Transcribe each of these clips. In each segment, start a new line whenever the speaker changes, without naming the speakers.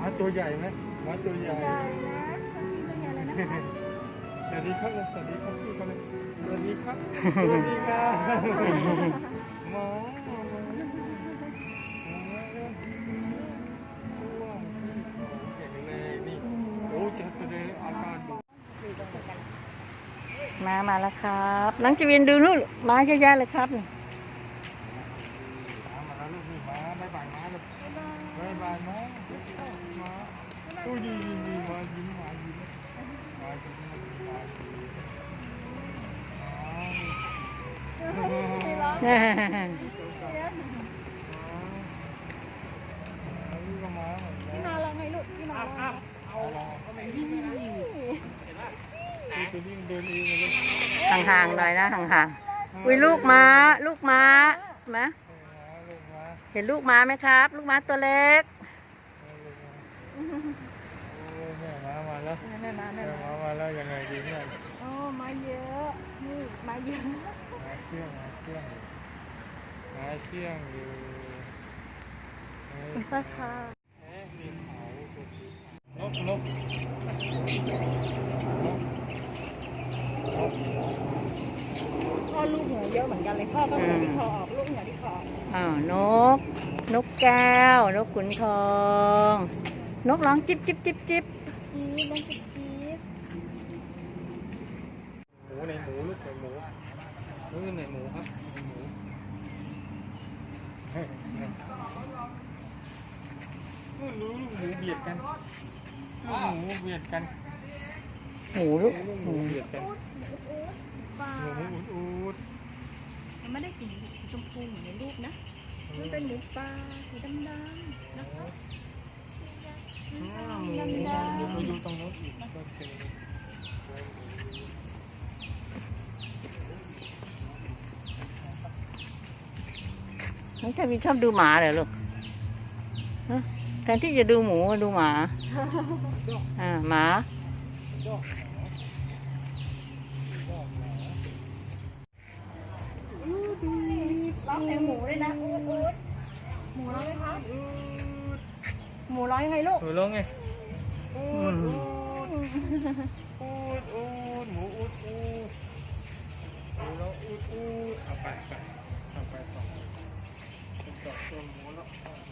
มาตัวใหญ่ไหมมาตัวใหญ่
ใหญ่นะตัวใหญ่เลยนะคะ
สวัสดีครับสวัสดีครับพี่เขาเลยสวัสดีครับสวัสดีครับหมอเก่งเลยนี่โอ้จะแสดงอาการดู
มาแล้วครับน้องจวินดูนู่นมาเยอะแยะเลยครับนี่
มาแล้วลูกนี่มาบายบายมาลูกบายบายมามาโอ้ยดีมายิ้มมายิ้มมายิ้มมา
พี่มาลองให้ลูกพี่มาลอง
ห่างๆหน่อยนะห่างๆอุ้ยลูกม้ามาเห็นลูกม้าไหมครับ ลูกม้าตัวเล็ก
แม่มาแล้วมาแล้วยังไงดีเนี่ย
โอ้มาเยอะนี่มาเยอะ
มาเชี่ยงอยู่
ราคาน
ก
พ่อลูกหัวเยอะเหมือนกันเลยพ่อก็หัวที่คอออกลูกหัวที่คอ
นกแก้วนกขุนทองนกร้องจิ๊บ
จี๊ดนั่นคือจี๊ด
หมูในหมูลูกในหมูในหมูครับหมูลูกหมูเบียดกันหมูเบียดกัน
หมูลูก
หมูเบียดกัน
ปลา
หมูอูด
มันไม่ได้สีชมพูเหมือนในรูปนะมันเป็นหมูปลาสีดำๆนะคะ
หมูไปดูตรงนู้นอีกก็เป็น
น้องชายวินชอบดูหมาเหรอลูกฮะแทนที่จะดูหมูดูหมาหมา
ร้องเพลงหมูเลยนะอูดหมูร้องไหมคะหมูร้องยังไงลูก
หมูร้องไง
อืม
หมูอูดหมูร้องอูดเอาไปต่อตัวหมูแล้ว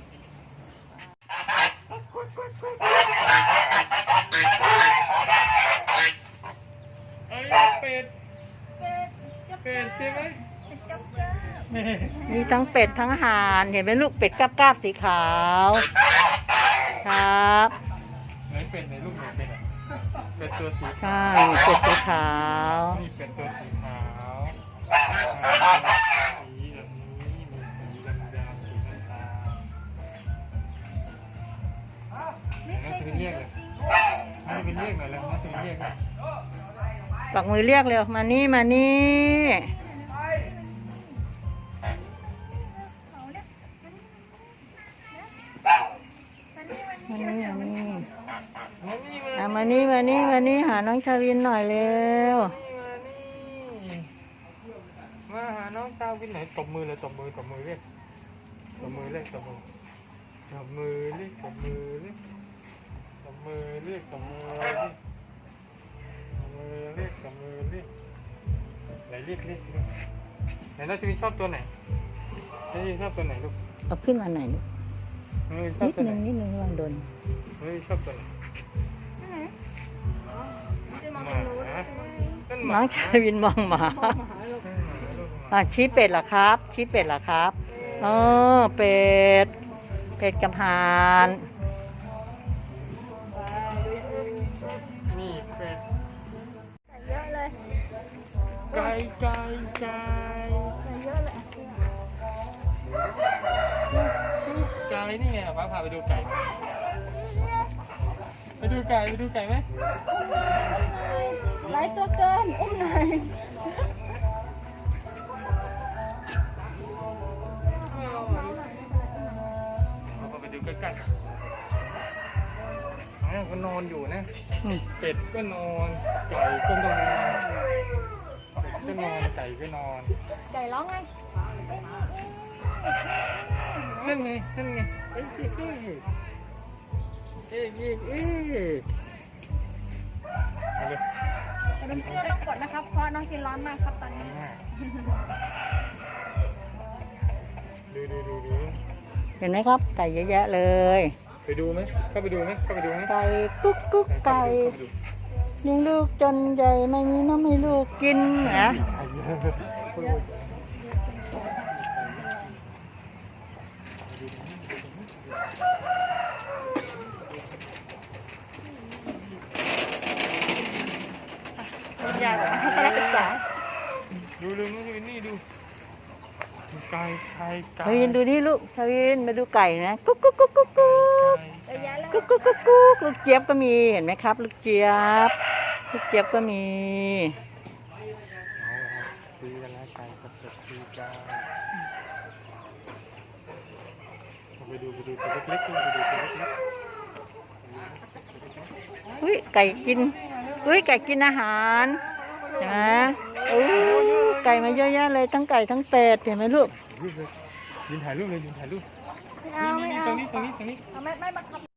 เป็ดใช่ไหม
มีทั้งเป็ดทั้งห่านเห็นไหมลูกเป็ดกราบสีขาวครับ
ไหนเป็ดไหนลูกไหนเป็ดเป็ดตัวสี
ใช่เป็ดสีขาว
นี่เป็ดตัวสีขาวสีแบบนี้มีสีดำสีน้ำตาลน่าจะเป็นเรียกเลยน่าจะเป็นเรียกหน่อยแล้วน่าจะเป็นเรียก
ปักมือเรียกเร็วมานี่มานี่มานี่หาน้องชาวินหน่อยเร็ว
มาหาน้องตาวินไหนตบมือเลยตบมือเรียกตบมือเรียกไหนเรียกไหนน้องชาวินชอบตัวไหนน้องชาวินชอบตัวไหนลูก
เอาขึ้นมาหน่อยลูก
น้องชาวินชอบตัวไหน
นิดนึงวางโดน
น้องชาวินชอบตัวไหน
น้องชาวินมองหมาชี้เป็ดเหรอครับอ๋อเป็ดกับห่าน
นี่เป็ด
เยอะเลย
ไก่
เยอะเลย
ไก่นี่ไงป้าพาไปดูไก่ไหม
หลายตัวเกินอุ้มหน่อย
เราไปดูใกล้ๆก็นอนอยู่นะเป็ดก็นอนไก่ก็นอนไก่ก็นอน
ไก่ร้องไง
นั่นไงไเอาเลย
แต่เป็นเสื้อต้องกดนะครับ เพราะน้องกินร้อนมากครับตอนนี้
ดู
เห็นไหมครับ ไก่เยอะแยะเลย
ไปดูไหมเข้าไปดูไหม
ไก่กุ๊กกุ๊กไก่เลี้ยงลูกจนใหญ่ไม่มีน้ำให้ลูกกินนะ
อยากให้เขาศึกษา
ดูนี่ดูไก่
ทวินดูนี่ลูกทวินมาดูไก่นะกุ๊กกุ๊กกุ๊กกุ๊กกุ๊ก
เยอะแยะเลย
กุ๊กกุ๊กกุ๊กกุ๊กลูกเจี๊ยบก็มีเห็นไหมครับ ลูกเจี๊ยบก็มี
คุยกันแล้วไก่กับคุยกันไปดูตัวเล็กๆไปดูตัวเล็ก
อุ้ยไก่กินอาหารนะอู้ไก่มาเยอะแยะเลยทั้งไก่ทั้งเป็ดเห็นไหมลูก
ยืนถ่ายรูปเลย
ไม่เอา
นี่ตรงนี้
เอาไม่บังคับ